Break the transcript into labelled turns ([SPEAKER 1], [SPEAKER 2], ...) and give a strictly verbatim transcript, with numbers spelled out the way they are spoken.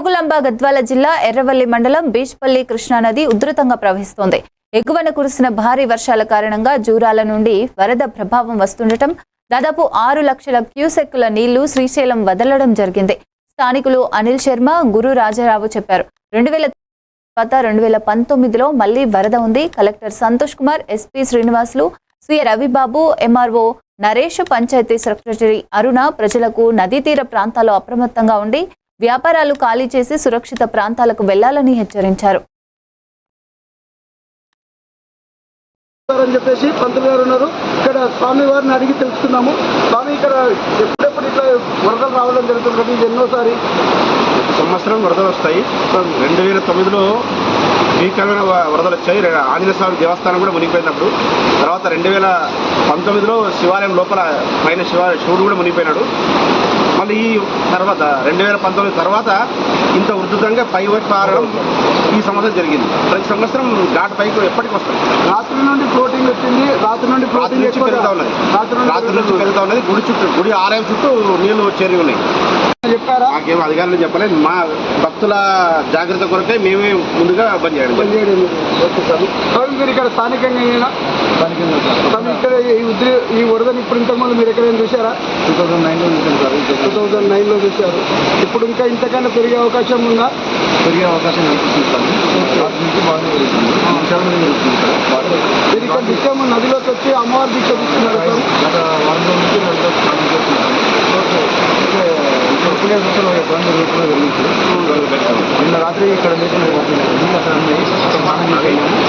[SPEAKER 1] జోగులాంబ గద్వాల జిల్లా ఎర్రవల్లి మండలం బీచ్పల్లి కృష్ణానది ఉధృతంగా ప్రవహిస్తోంది. ఎగువన కురిసిన భారీ వర్షాల కారణంగా జూరాల నుండి వరద ప్రభావం వస్తుండటం దాదాపు ఆరు లక్షల క్యూసెక్కుల నీళ్లు శ్రీశైలం వదలడం జరిగింది. స్థానికులు అనిల్ శర్మ, గురు రాజారావు చెప్పారు. రెండు వేల తర్వాత రెండు వేల పంతొమ్మిదిలో మళ్లీ వరద ఉంది. Collector Santosh Kumar, SP Srinivasulu, C Ravibabu, MRO Naresh, panchayati secretary Aruna ప్రజలకు నదీ తీర ప్రాంతాల్లో అప్రమత్తంగా ఉండి వ్యాపారాలు ఖాళీ చేసి సురక్షిత ప్రాంతాలకు వెళ్లాలని హెచ్చరించారు.
[SPEAKER 2] అని చెప్పేసి పంతులు గారు ఉన్నారు. ఇక్కడ స్వామి వారిని అడిగి తెలుసుకున్నాము. స్వామి, ఇక్కడ ఎప్పుడెప్పుడు ఇట్లా వరదలు రావడం జరుగుతుంది? ఇది ఎన్నోసారి
[SPEAKER 3] సంవత్సరం వరదలు వస్తాయి. రెండు వేల తొమ్మిదిలో భీకరమైన వరదలు వచ్చాయి. ఆంజనేయ స్వామి దేవస్థానం కూడా మునిగిపోయినప్పుడు. తర్వాత రెండు వేల పంతొమ్మిదిలో శివాలయం లోపల పైన శివ శివుడు కూడా మునిగిపోయినాడు. మళ్ళీ ఈ తర్వాత రెండు వేల పంతొమ్మిది తర్వాత ఇంత ఉధృతంగా పై వైపు పారడం ఈ సంవత్సరం జరిగింది. ప్రతి సంవత్సరం ఘాట్ పైకి ఎప్పటికి వస్తుంది.
[SPEAKER 2] రాత్రి నుండి ఫ్లోటింగ్ వచ్చింది. రాత్రి నుండి
[SPEAKER 3] రాత్రి నుంచి పెరుగుతూ ఉన్నది. రాత్రి నుంచి పెరుగుతూ ఉన్నది. గుడి చుట్టూ, గుడి ఆలయం చుట్టూ నీళ్లు చేరి ఉన్నాయి.
[SPEAKER 2] చెప్పారా?
[SPEAKER 3] మాకేం అధికారులు చెప్పలేదు. మా భక్తుల జాగ్రత్త కొరకే మేమే ముందుగా బంద్ చేయడం
[SPEAKER 2] బంద్ చేయడం ఓకే సార్. స్వామి, మీరు ఇక్కడ స్థానికంగా స్వామి ఇక్కడ ఈ ఉద్రి ఈ వరదని ఇప్పుడు ఇంతకుముందు మీరు ఎక్కడైనా చూసారా?
[SPEAKER 3] టూ థౌసండ్ నైన్లో చూసాను సార్.
[SPEAKER 2] టూ థౌసండ్ నైన్లో చూశారు. ఇప్పుడు ఇంకా ఇంతకన్నా పెరిగే అవకాశం ఉందా?
[SPEAKER 3] పెరిగే అవకాశం కనిపిస్తుంది సార్. రాత్రి నుంచి బాగానే పెరుగుతుంది.
[SPEAKER 2] మీరు ఇక్కడ నిత్యం నదిలోకి వచ్చి అమ్మవారి దీక్ష తీసుకున్నారు సార్.
[SPEAKER 3] గత వారం నుంచి నదిలో స్నానం చేస్తున్నాను. ఇప్పుడే చూస్తున్న ఇబ్బంది రూపంలో వెళ్తుంది. నిన్న రాత్రి ఇక్కడ మీకు స్నానం చేసి